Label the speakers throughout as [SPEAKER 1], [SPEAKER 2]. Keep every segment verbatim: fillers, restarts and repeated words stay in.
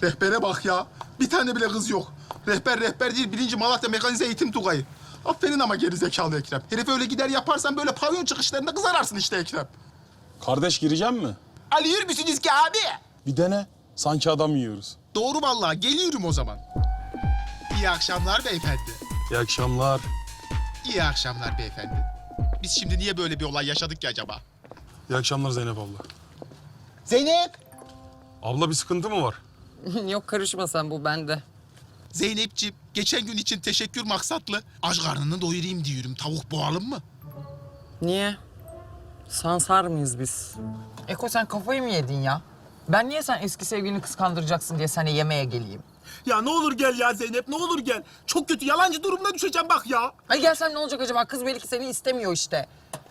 [SPEAKER 1] Rehbere bak ya. Bir tane bile kız yok. Rehber rehber değil, birinci Malatya Mekanize Eğitim Tugayı. Aferin ama geri zekalı Ekrem. Herif öyle gider yaparsan böyle pavyon çıkışlarında kız ararsın işte Ekrem.
[SPEAKER 2] Kardeş gireceğim mi?
[SPEAKER 1] Alıyor musunuz ki abi?
[SPEAKER 2] Bir dene. Sanki adam yiyoruz.
[SPEAKER 1] Doğru vallahi, geliyorum o zaman. İyi akşamlar beyefendi.
[SPEAKER 2] İyi akşamlar.
[SPEAKER 1] İyi akşamlar beyefendi. Biz şimdi niye böyle bir olay yaşadık ki acaba?
[SPEAKER 2] İyi akşamlar Zeynep abla.
[SPEAKER 1] Zeynep!
[SPEAKER 2] Abla bir sıkıntı mı var?
[SPEAKER 3] Yok karışma sen, bu bende.
[SPEAKER 1] Zeynepciğim, geçen gün için teşekkür maksatlı aç karnını doyurayım diyorum. Tavuk boğalım mı?
[SPEAKER 3] Niye? Sansar mıyız biz? Eko sen kafayı mı yedin ya? Ben niye sen eski sevgilini kıskandıracaksın diye sana yemeğe geleyim?
[SPEAKER 4] Ya ne olur gel ya Zeynep, ne olur gel. Çok kötü, yalancı durumuna düşeceğim bak ya.
[SPEAKER 3] Ay gelsem ne olacak acaba? Kız belki seni istemiyor işte.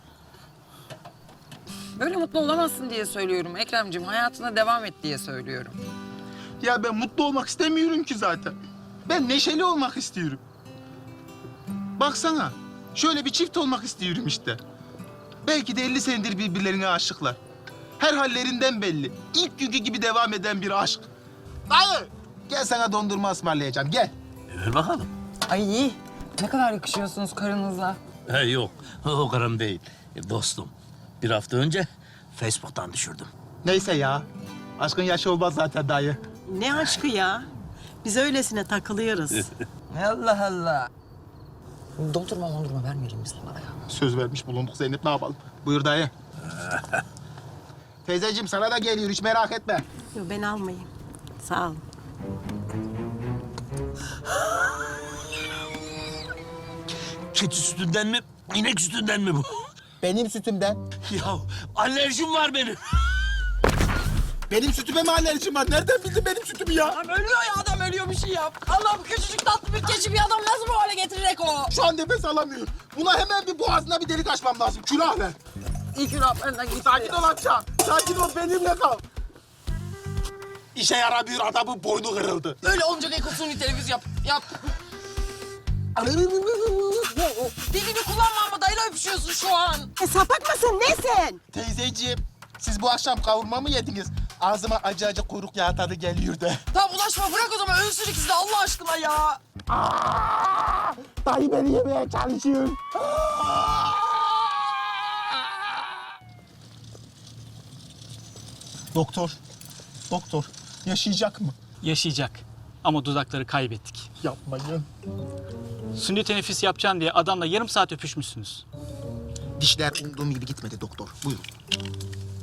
[SPEAKER 3] Böyle mutlu olamazsın diye söylüyorum Ekremciğim. Hayatına devam et diye söylüyorum.
[SPEAKER 1] Ya ben mutlu olmak istemiyorum ki zaten. Ben neşeli olmak istiyorum. Baksana, şöyle bir çift olmak istiyorum işte. Belki de elli senedir birbirlerine aşıklar. Her hallerinden belli. İlk günkü gibi devam eden bir aşk. Dayı, gel sana dondurma ısmarlayacağım, gel.
[SPEAKER 5] Ver bakalım.
[SPEAKER 3] Ay iyi. Ne kadar yakışıyorsunuz karınızla.
[SPEAKER 5] He yok, o karım değil. E, dostum, bir hafta önce Facebook'tan düşürdüm.
[SPEAKER 1] Neyse ya, aşkın yaşı olmaz zaten dayı.
[SPEAKER 6] Ne aşkı ya? Biz öylesine takılıyoruz.
[SPEAKER 3] Allah Allah. Dondurma dondurma vermeyelim biz bunlara ya.
[SPEAKER 1] Söz vermiş bulunduk Zeynep, ne yapalım? Buyur dayı. Teyzeciğim sana da geliyor, hiç merak etme.
[SPEAKER 6] Yok ben almayayım. Sağ ol.
[SPEAKER 5] Keçi sütünden mi, inek sütünden mi bu?
[SPEAKER 1] Benim sütümden.
[SPEAKER 5] Ya alerjim var benim.
[SPEAKER 1] Benim sütüme mi alerjim var? Nereden bildin benim sütümü ya?
[SPEAKER 3] Adam ölüyor ya, adam ölüyor, bir şey yap. Allah'ım, küçücük tatlı bir keçi bir adam nasıl bu hale getirir Eko?
[SPEAKER 1] Şu an nefes alamıyorum. Buna hemen bir boğazına bir delik açmam lazım. Külah ver.
[SPEAKER 3] İlk gün benden gitti.
[SPEAKER 1] Sakin ol amca. Sakin ol, benimle kal. İşe yaramıyor, adamın boynu kırıldı.
[SPEAKER 3] Öyle olunca Eko suni televiz yap. Yap. Dilini kullanma ama dayıyla öpüşüyorsun şu an.
[SPEAKER 6] E, sapak mısın nesin?
[SPEAKER 1] Teyzeciğim, siz bu akşam kavurma mı yediniz? Ağzıma acı acı kuyruk yağı tadı geliyor da.
[SPEAKER 3] Tamam ulaşma, bırak o zaman, ölsün ikisi de Allah aşkına ya.
[SPEAKER 1] Aa, dayı beni yemeye çalışıyor. Doktor, doktor yaşayacak mı?
[SPEAKER 7] Yaşayacak. Ama dudakları kaybettik.
[SPEAKER 1] Yapmayın.
[SPEAKER 7] Sünni teneffüs yapacaksın diye adamla yarım saat öpüşmüşsünüz.
[SPEAKER 1] Dişler umduğum gibi gitmedi doktor. Buyurun.